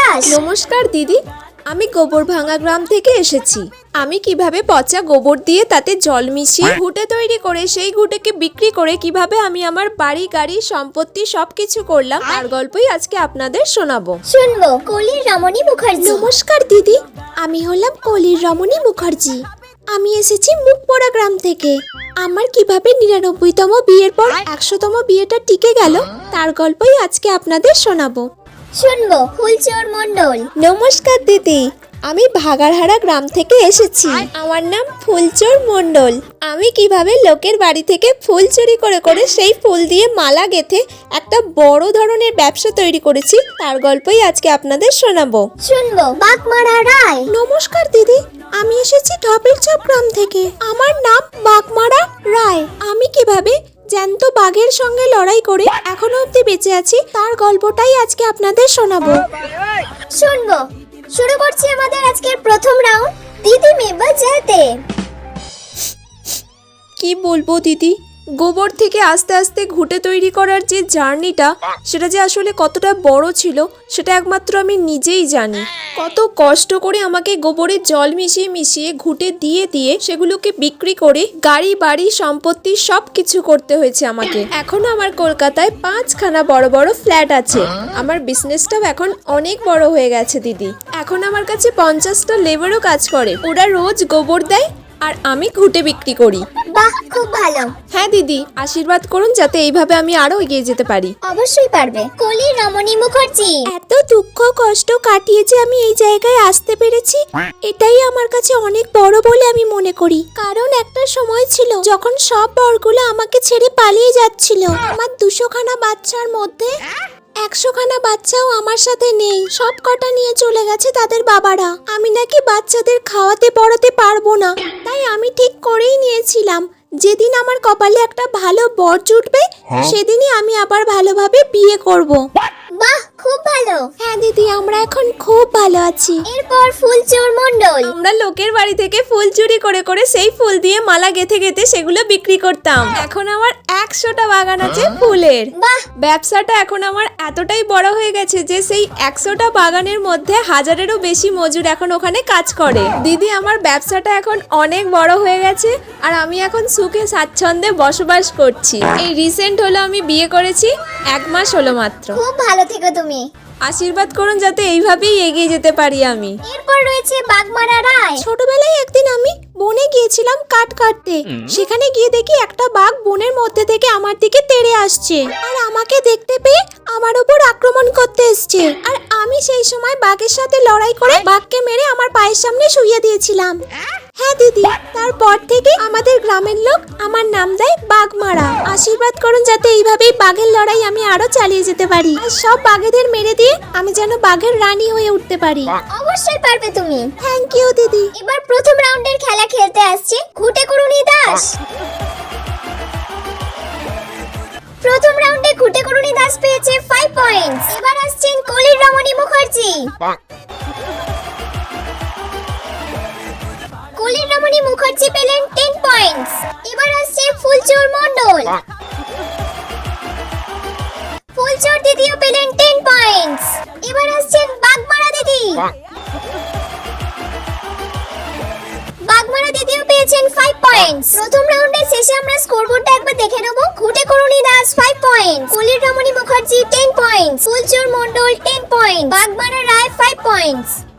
দাস। নমস্কার দিদি, আমি গোবর ভাঙা গ্রাম থেকে এসেছি। আমি কিভাবে পচা গোবর দিয়ে তাতে জল মিশিয়ে ঘুঁটে তৈরি করে সেই ঘুঁটেকে বিক্রি করে কিভাবে আমি আমার বাড়ি গাড়ি সম্পত্তি সবকিছু করলাম তার গল্পই আজকে আপনাদের শোনাবো। শুনবো কলির রমণী মুখার্জি। নমস্কার দিদি, আমি হলাম কলির রমণী মুখার্জি। আমি এসেছি মুখপোড়া গ্রাম থেকে। আমার কিভাবে ৯৯তম বিয়ের পর ১০০তম বিয়েটা টিকে গেল তার গল্পই আজকে আপনাদের শোনাবো। শুনবো ফুলচোর মণ্ডল। নমস্কার দিদি, আমি ভাগাড়হারা গ্রাম থেকে এসেছি। আমার নাম ফুলচোর মণ্ডল। আমি কিভাবে লোকের বাড়ি থেকে ফুল চুরি করে করে সেই ফুল দিয়ে মালা গেঁথে একটা বড় ধরনের ব্যবসা তৈরি করেছি তার গল্পই আজকে আপনাদের শোনাবো। শুনবো বাগমারা রায়। নমস্কার দিদি, আমি এসেছি ঢপের চপ গ্রাম থেকে। আমার নাম বাগমারা রায়। আমি কিভাবে জ্যান্ত বাঘের সঙ্গে লড়াই করে এখনো অবধি বেঁচে আছি তার গল্পটাই আজকে আপনাদের শোনাবো। শুনবো শুরু করছি আমাদের আজকের প্রথম রাউন্ড, দিদি মে বাজাতে। কি বলবো দিদি, গোবর থেকে আস্তে আস্তে ঘুঁটে তৈরি করার যে জার্নিটা সেটা যে আসলে কতটা বড় ছিল সেটা একমাত্র আমি নিজেই জানি। কত কষ্ট করে আমাকে গোবরে জল মিশিয়ে মিশিয়ে ঘুঁটে দিয়ে দিয়ে সেগুলোকে বিক্রি করে গাড়ি বাড়ি সম্পত্তি সব কিছু করতে হয়েছে আমাকে। এখনো আমার কলকাতায় ৫খানা বড় বড় ফ্ল্যাট আছে। আমার বিজনেসটাও এখন অনেক বড় হয়ে গেছে দিদি। এখন আমার কাছে ৫০টা লেবারও কাজ করে। ওরা রোজ গোবর দেয় আর আমি ঘুঁটে বিক্রি করি। বাহ, খুব ভালো। হ্যাঁ দিদি, আশীর্বাদ করুন যাতে এইভাবে আমি আরো এগিয়ে যেতে পারি। অবশ্যই পারবে। কলির রমণী মুখার্জি। এত দুঃখ কষ্ট কাটিয়ে যে আমি এই জায়গায় আসতে পেরেছি এটাই আমার কাছে অনেক বড় বলে আমি মনে করি। কারণ একটা সময় ছিল যখন সব বরগুলো আমাকে ছেড়ে পালিয়ে যাচ্ছিল। আমার ২০০খানা বাচ্চার মধ্যে ১০০খানা বাচ্চাও আমার সাথে নেই। সব কটা নিয়ে চলে গেছে তাদের বাবারা। আমি নাকি বাচ্চাদের খাওয়াতে পড়াতে পারবো না। তাই আমি ঠিক করেই নিয়েছিলাম যেদিন আমার কপালে একটা ভালো বর জুটবে সেদিনই আমি আবার ভালোভাবে বিয়ে করব। বাহ, খুব ভালো। হ্যাঁ দিদি, আমরা এখন খুব ভালো আছি। এরপর ফুলচোর মণ্ডল। আমরা লোকের বাড়ি থেকে ফুল চুরি করে করে সেই ফুল দিয়ে মালা গেঁথে গেঁথে সেগুলো বিক্রি করতাম। এখন আমার ১০০টা বাগান আছে ফুলের। বাহ, ব্যবসাটা এখন আমার এতটাই বড় হয়ে গেছে যে সেই ১০০টা বাগানের মধ্যে ১০০০-এরও বেশি মজুর এখন ওখানে কাজ করে। দিদি, আমার ব্যবসাটা এখন অনেক বড় হয়ে গেছে আর আমি এখন সুখে স্বাচ্ছন্দ্যে বসবাস করছি। এই রিসেন্ট হলো আমি বিয়ে করেছি, ১ মাস হলো মাত্র। খুব ভালো থেকো তুমি। আশীর্বাদ করুন যাতে এইভাবেই এগিয়ে যেতে পারি আমি। এরপর রয়েছে বাগমারা রায়। ছোটবেলায় একদিন আমি বনে গিয়েছিলাম কাঠ কাটতে। সেখানে গিয়ে দেখি একটা বাঘ বনের মধ্যে থেকে আমার দিকে তেড়ে আসছে আর আমাকে দেখতে পেয়ে আমার উপর আক্রমণ করতে এসছে। আর আমি সেই সময় বাঘের সাথে লড়াই করে বাঘকে মেরে আমার পায়ের সামনে শুইয়ে দিয়েছিলাম। হ্যাঁ দিদি, তারপর থেকে আমাদের গ্রামের লোক আমার নাম দেয় বাঘমারা। আশীর্বাদ করুন যাতে এইভাবেই বাঘের লড়াই আমি আরো চালিয়ে যেতে পারি আর সব বাঘেদের মেরে দিয়ে আমি যেন বাঘের রানী হয়ে উঠতে পারি। অবশ্যই পারবে তুমি। থ্যাংক ইউ দিদি। এবার প্রথম রাউন্ডের খেলা খেলতে আসছে ঘুঁটে করুণী দাস। প্রথম রাউন্ডে ঘুঁটে করুণী দাস পেয়েছে 5 পয়েন্টস। এবার আসছেন কলির রমণী মুখার্জি। কলির রমণী মুখার্জি পেলেন 10 পয়েন্টস। এবার আসছে ফুলচোর মণ্ডল। ফুলচোর দিদিও পেলেন 10 পয়েন্টস। এবার আসছেন বাগমারা দিদি। বাগমারা দিদিও পেয়েছেন 5 পয়েন্টস। প্রথম রাউন্ডের শেষে আমরা স্কোরবোর্ডটা একবার দেখে নেব। ঘুঁটে করুণী দাস 5 পয়েন্টস, কলির Ramani Mukherjee 10 points, Phulchor Mondal 10 points, Bagmara Roy 5 points.